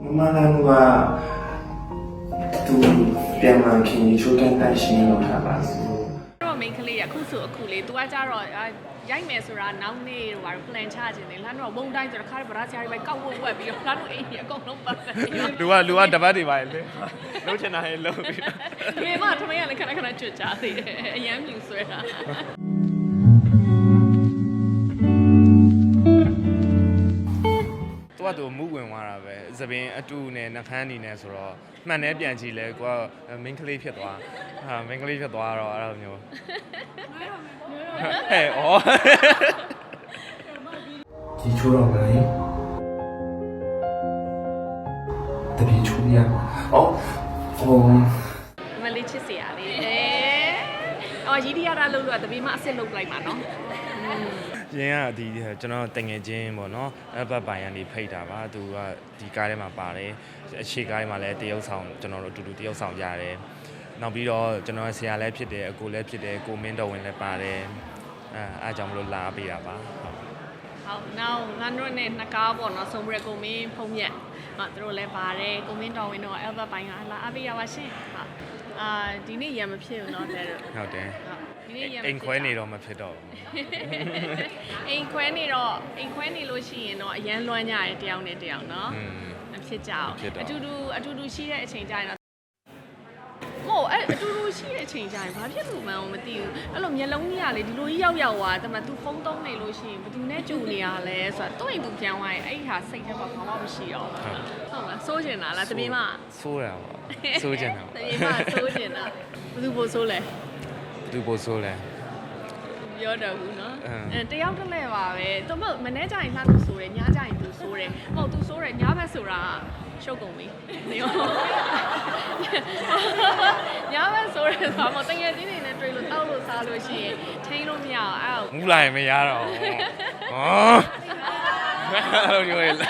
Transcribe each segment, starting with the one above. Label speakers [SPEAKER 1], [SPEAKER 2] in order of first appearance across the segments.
[SPEAKER 1] 妈妈那个都变嘛，肯定就跟担心了他吧是。
[SPEAKER 2] တော့ main ကလေးရခုဆိုအခုလေး तू ကကြတော့ရိုက်မယ်ဆိုတာနောက်နေ့ဟိုဘာ plan ချခြင်းလေလှမ်းတော့ဘုံတိုင်းဆိုတော့ခါရဗရာဆရာကြီးပဲကောက်ဝက်ဝက်ပြီးတော့လှမ်းတော့အိမ်ကြီးအကုန်လုံးပတ်တယ်
[SPEAKER 3] လူကတပတ်တွေပါလေလုံးချင်တာဟဲ့လုံးပြီး
[SPEAKER 2] ဒီမှာထမင်းကလည်းခဏခဏကြွကြသေးတယ်အရန်မြူဆွဲတာ
[SPEAKER 3] သူမူဝင်သွားတာပဲသပင်အတူနဲ့နှခမ်းနေနဲ့ဆိုတော့မှန်တယ်ပြန်ကြည့်လဲကိုက main ကလေးဖြစ်သွားmain ကလေးဖြစ်သွားတော့အဲ့လိုမျိုးဟဲ့ဩ
[SPEAKER 1] 记住了没？特别出呀！哦，
[SPEAKER 2] မလေးချစ်စရာလေးအော်ရီဒီယာတာလို့တပီးမအစ်စ်လုပ်လိုက်မှာနော်
[SPEAKER 3] ရင်းကဒီကျွန်တော်တငယ်ချင်းပေါ့နော်အဘပိုင်ကနေဖိတ်တာပါသူကဒီကားထဲမှာပါတယ်အခြေကားထဲမှာလည်းတရုပ်ဆောင်ကျွန်တော်တို့အတူတူတရုပ်ဆောင်ကြရတယ်နောက်ပြီးတော့ကျွန်တော်ဆရာလည်းဖြစ်တယ်အကိုလည်းဖြစ်တယ်ကိုမင်းတော်ဝင်လည်းပါတယ်အားကြောင့်မလို့လာပေးတာပါ
[SPEAKER 2] ဟုတ်နောက်ငါတို့နဲ့နှစ်ကားပေါ့နော်ဆုံးပြကိုမင်းဖုံးမြက်သူတို့လည်းပါတယ်ကိုမင်းတော်ဝင်တော့ Albert ပိုင်းကလာအားပေးရပါရှင်ဟုတ်ဒီနေ့ရံမဖြစ်ဘူးเนาะတဲ့
[SPEAKER 3] ဟုတ်တယ်အိမ်ခွဲနေတော့မဖြစ်တော့ဘူး
[SPEAKER 2] အိမ်ခွဲနေလို့ရှိရင်တော့အရန်လွမ်းကြတယ်တယောက်နဲ့တယောက်เนาะမဖြစ်ကြအောင်အတူတူရှိတဲ့အချိန်ကြရင်တော့မို့အတူတူရှိတဲ့အချိန်ကြရင်ဘာဖြစ်လို့မှန်းမသိဘူးအဲ့လိုမျက်လုံးကြီးကလေဒီလိုကြီးရောက်သွားတမသူဖုန်းသုံးနေလို့ရှိရင်ဘယ်သူနဲ့ကြုံနေရလဲဆိုတော့တွင့်သူပြန်သွားရင်အဲ့ဒီဟာစိတ်ထဲမှာဘာမှမရှိတော့ဟုတ်လားစိုးကျင်တာလားတပင်းမ
[SPEAKER 3] စိုးတာပါစိုးကျင်တာ
[SPEAKER 2] တပင်းမစိုးကျင်တာဘယ်သူပို့စိုးလဲ
[SPEAKER 3] သူပို့စိုးလဲ
[SPEAKER 2] ပြောတော့ဘူးเนาะတယောက်တစ်လဲပါပဲသူမနေ့ကျရင်လှမ်းလို့ဆိုတယ်ညကျရင်သူဆိုတယ်မဟုတ်သူဆိုတယ်ညဘက်ဆိုတာရှုပ်ကုန်ပြီနေရောညဘက်ဆိုတယ်ဆိုတော့တကယ်ချင်းနေနဲ့တွေ့လို့တောက်လို့စားလို့ရှိရင်ထိန်းလို့မရအောင်
[SPEAKER 3] မူလာရင်မရတော့ဟောအဲ့လိုပြောရလား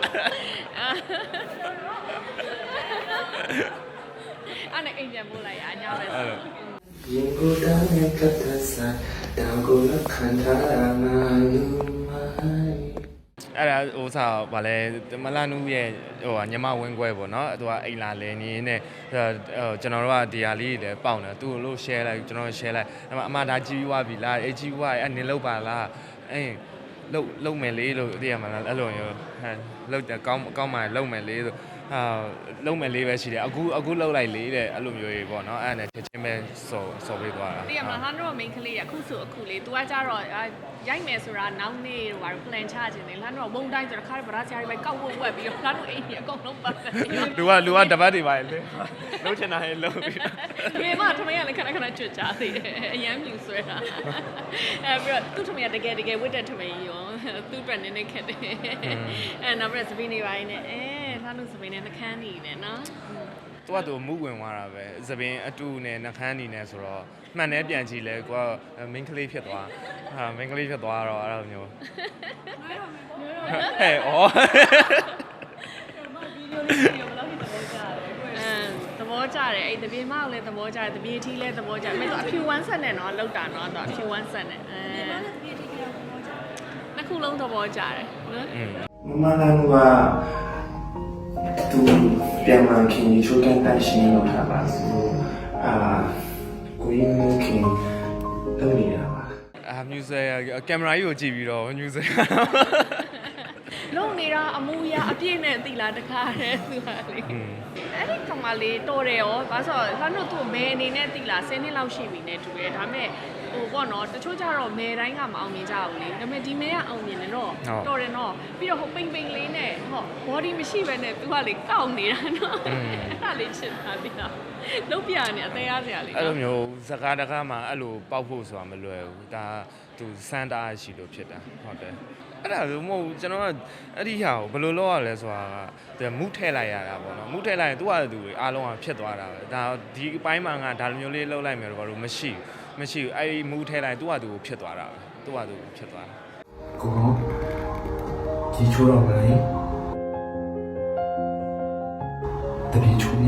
[SPEAKER 2] အဲ့နဲ့အိမ်ပြန်ပို့လိုက်ရညဘက်
[SPEAKER 1] ရင်ကိုယ်တိုင်နဲ့ကတ်သစားတောင်ကိုလက်ခံထားတာမှလူမိုင်း
[SPEAKER 3] အဲ့ဒါဟိုစားဗာလဲမလာနူးရဲ့ဟိုညမဝင်းခွဲပေါ့နော်သူကအိမ်လာလဲနေနေကျွန်တော်တို့ကဒီဟာလေးတွေလည်းပေါက်နေသူ့လို့ share လိုက်ကျွန်တော် share လိုက်အမဒါကြီးွားပြီလားအေးကြီးွားအဲ့နင်လောက်ပါလားအေးလုံမယ်လေးလို့သိရမှာလားအဲ့လိုမျိုးလုံကောင်းမှလုံမယ်လေးဆိုလုံမယ်လေးပဲရှိတယ်အခုလုံလိုက်လေးတဲ့အဲ့လိုမျိုးကြီးပေါ့နော်အဲ့ဒါနဲ့ချက်ချင်းပဲစော်ပေးသွားတာ
[SPEAKER 2] သိရမှာဟာတော့ main ကလေးရခုဆိုအခုလေး तू ကကြတော့ရိုက်မယ်ဆိုတာနောက်နေ့ဟိုဘာ plan ချခြင်းလေလှမ်းတော့ဘုံတိုင်းဆိုတော့ခါရဗရာဆရာကြီးပဲကောက်ဝက်ဝက်ပြီးတော့လှမ်းတော့အိမ်ကြီးအကုန်လုံးပတ်တယ်
[SPEAKER 3] လူကတပတ်တွေပါလေလုံးချင်တာဟဲ့လုံးပြီး
[SPEAKER 2] ဒီမှာထမင်းကလည်းခဏခဏကြွကြသေးတယ်အရန်မြူဆွဲတာပြီးတော့သူ့ထမင်းကတကယ်ဝတ်တဲ့ထမင်းရောသူ့အတွက်နည်းနည်းခက်တယ်နောက်ပြီးစပင်းနေပိုင်းနဲ့လှမ်းလို့စပင်းနဲ့နှခမ်းနေတယ်နော်
[SPEAKER 3] သူမူဝင်သွားတာပဲသပင်အတူနဲ့နှခမ်းနေနဲ့ဆိုတော့မှန်တယ်ပြန်ကြည့်လဲကိုက main ကလေးဖြစ်သွားmain ကလေးဖြစ်သွားတော့အဲ့လိုမျိုးဟဲ့ဩ
[SPEAKER 2] သဘောကျတယ်အဲ့တပြေမောက်လည်းသဘောကျတယ်တပြေထီးလည်းသဘောကျတယ်မင်းတို့အဖြူဝမ်းဆက်နဲ့နော်လောက်တာနော်တော့အဖြူဝမ်းဆက်နဲ့နှစ်ခုလုံးသဘောကျတယ်
[SPEAKER 1] နော်မမနာကသူပြန်မှခင်ချိုးကန်တိုင်းရှင်းလို့ထားပါစို့ကိုရင်းမျိုးခင်လုပ်နေတာပါ
[SPEAKER 3] music ကင်မရာကြီးကိုကြည့်ပြီးတော့ music
[SPEAKER 2] လုံနေတာအမူအရာအပြည့်နဲ့သိလားတခါတည်းသူဟာလေအဲ့ဒီကောင်မလေးတော်တယ်ရောဘာလို့ဆိုတော့လှမ်းတို့သူ့မဲအနေနဲ့သိလား10နှစ်လောက်ရှိပြီနဲ့တူတယ်ဒါပေမဲ့ဟိုပေါ့နော်တချို့ကြတော့မဲတိုင်းကမအောင်မြင်ကြဘူးလေဒါပေမဲ့ဒီမဲကအောင်မြင်တယ်တော့တော်တယ်နော်ပြီးတော့ဟိုပိန်လေးနဲ့ဟော body မရှိဘဲနဲ့သူကလေကောက်နေတာနော်အဲ့ဒါလေးချစ်တာပြီလားလုတ်ပြနေအသေးရစရာလေး
[SPEAKER 3] အဲ့လိုမျိုးစကားတကားမှာအဲ့လိုပေါက်ဖို့ဆိုတာမလွယ်ဘူးဒါသူစမ်းတာရှိလို့ဖြစ်တာဟုတ်တယ်အဲ့ဒါဆိုမဟုတ်ကျွန်တော်ကအဲ့ဒီဟာကိုဘယ်လိုလုပ်ရလဲဆိုတာမူးထည့်လိုက်ရတာပေါ့နော်မူးထည့်လိုက်ရင်သူ့ဟာသူအားလုံးကဖြစ်သွားတာပဲဒါဒီအပိုင်းမှာငါဒါလိုမျိုးလေးလုပ်လိုက်မယ်တော့ဘာလို့မရှိဘူးအဲ့ဒီမူးထည့်လိုက်သူ့ဟာသူဖြစ်သွားတာပဲသူ့ဟာသူဖြစ်သွားတာ
[SPEAKER 1] ကိုကြည့်ချိုးတော့မလဲတပည့်ချိုးရ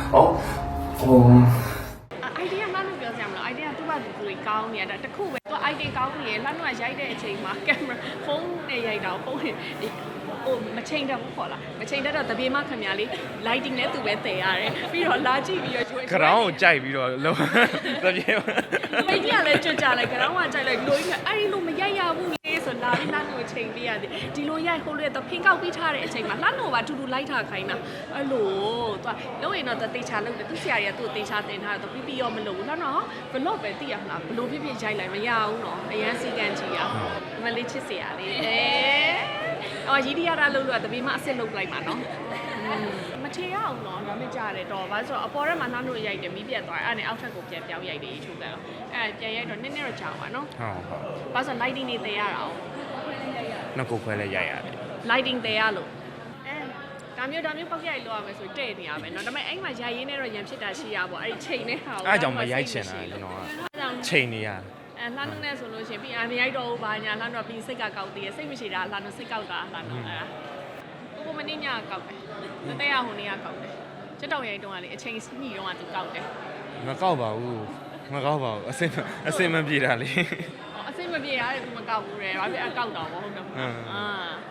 [SPEAKER 2] idea မှလို့ပြောစရာမလို idea သူ့ဘာသူတွေကောင်းနေတာတခုပဲသူ idea ကောင်းနေရလှမ်းတော့ရိုက်တဲ့အချိန်မှာ camera ဖုန်းနဲ့ရိုက်တာဖုန်းနဲ့ဟိုမချိန်တတ်ဘူးခေါ်လားမချိန်တတ်တော့တပြေမခင်ဗျာလေး lighting နဲ့သူပဲတည်ရတယ်ပြီးတော့လာကြည့်ပြီးတော့ကျွေး
[SPEAKER 3] ကရောင်းကိုကြိုက်ပြီးတော့လုံးတပြေ
[SPEAKER 2] မိကြီးကလည်းကြွကြလိုက်ကြောင်းကကြိုက်လိုက်ဒီလိုကြီးအဲ့ဒီလိုမရိုက်ရဘူးလေဆိုလာပြီးလှမ်းလို့ချိန်ပေးရတယ်ဒီလိုရိုက်ဟိုလိုတော့ဖင်ကောက်ပြီးထားတဲ့အချိန်မှာလှမ်းလို့ပါတူတူလိုက်ထားခိုင်းတာအဲ့လိုသူကလုံးရင်တော့တေချာလုပ်တယ်သူဆရာကြီးကသူ့တေချာတင်ထားတော့ပြီးပြီးရောမလုပ်ဘူးလှမ်းတော့ဘလော့ပဲသိရမလားဘလို့ဖြစ်ဖြစ်ရိုက်လိုက်မရဘူးနော်အရန်စီကန်ကြီးอ่ะမလေးချစ်စရာလေးအော်ရီဒီယာတာလုပ်လို့တပီးမအစ်စ်လုပ်လိုက်မှာနော်မချေရအောင်နော်ဒါမှကြရတယ်တော့ဘာလို့ဆိုတော့အပေါ်ထဲမှာလှမ်းလို့ရိုက်တယ်မီးပြတ်သွားအဲ့ဒါနဲ့အောက်ထပ်ကိုပြန်ပြောင်းရိုက်တယ်ချိုးကန်အဲ့ပြန်ရိုက်တော့နည်းနည်းတော့ကြာပါနော်
[SPEAKER 3] ဟုတ်ဟုတ်
[SPEAKER 2] ဘာလို့ဆို lighting တွေတည်ရတာအောင်
[SPEAKER 3] နှစ်ကိုခွဲလဲရိုက်ရတယ်
[SPEAKER 2] lighting တည်ရလို့ဒါမျိုးပောက်ရိုက်လို့ရမယ်ဆိုတဲ့နေရမယ်เนาะဒါပေမဲ့အဲ့မှာရိုက်ရင်းနဲ့တော့ရံဖြစ်တာရှိရပေါ့အဲ့ဒီချိန်နဲ့ဟာ
[SPEAKER 3] အဲ့ကြောင့်မရိုက်ချင်တာကျွန်တော်ကချိန်နေရ
[SPEAKER 2] လှမ်းနေဆိုလို့ရှိရင်ပြီးမရိုက်တော့ဘူးဘာညာလှမ်းတော့ပြီးစိတ်ကကောက်သေးရဲ့စိတ်မရှိတာလှမ်းတော့စိတ်ကောက်တာလှမ်းတော့အဲ့ဒါကိုမင်းညကောက်တယ်မတဲ့ရဟိုနေရကောက်တယ်ချက်တောင်ရိုက်တော့ကလေအချိန်ညှိတော့ကသူကောက်တယ်
[SPEAKER 3] မကောက်ပါဘူးမကောက်ပါဘူးအစင်မပြေတာလေ
[SPEAKER 2] အစိမပြေရတယ်သူမကောက်ဘူးတဲ့ဘာဖြစ်အကောက်တော့မဟုတ်တော့ဘူးအာ